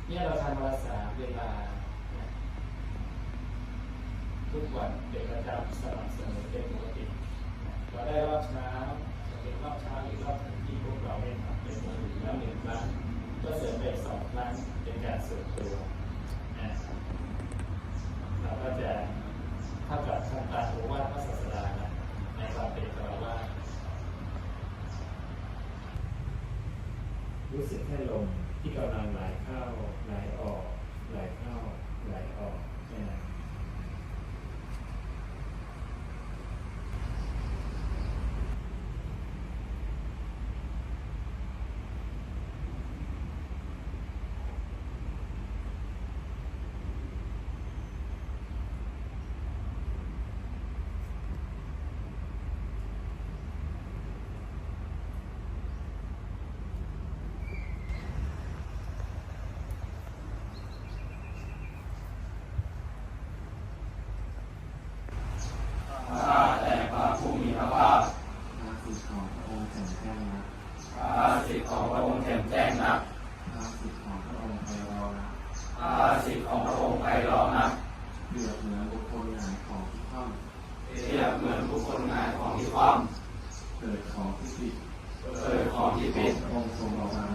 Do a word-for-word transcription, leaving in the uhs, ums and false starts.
เนี่ยเราทำวันละสามเวลาทุกวันเป็นประจำสม่ำเสมอเป็นปกติเราได้รอบเช้าจะเป็นรอบเช้าหรือรอบที่พวกเราได้ทำเป็นปกติแล้วหนึ่งครั้งก็เสริมไปสองครั้งเป็นการส่วนตัวเราก็จะเท่ากับทำตามโอวาทพระศาสดาในความเป็นคารวะรู้สึกแค่ลมที่กำลังไหลเข้าไหลออกไหลเข้าไหลออกแค่นั้นข้าแต่พระผู้มีพระภาคพระสิทธิ์ของพระองค์แจ่มแจ้งนักพระสิทธิ์ของพระองค์แจ่มแจ้งนักพระสิทธิ์ของพระองค์ไพเราะนักพระสิทธิ์ของพระองค์ไพเราะนักเปรียบเหมือนบุคคลหงายของที่คว่ำเปรียบเหมือนบุคคลหงายของที่คว่ำเกิดของที่ผิดำเกิดของที่ผิดพระองค์ทรงระวัง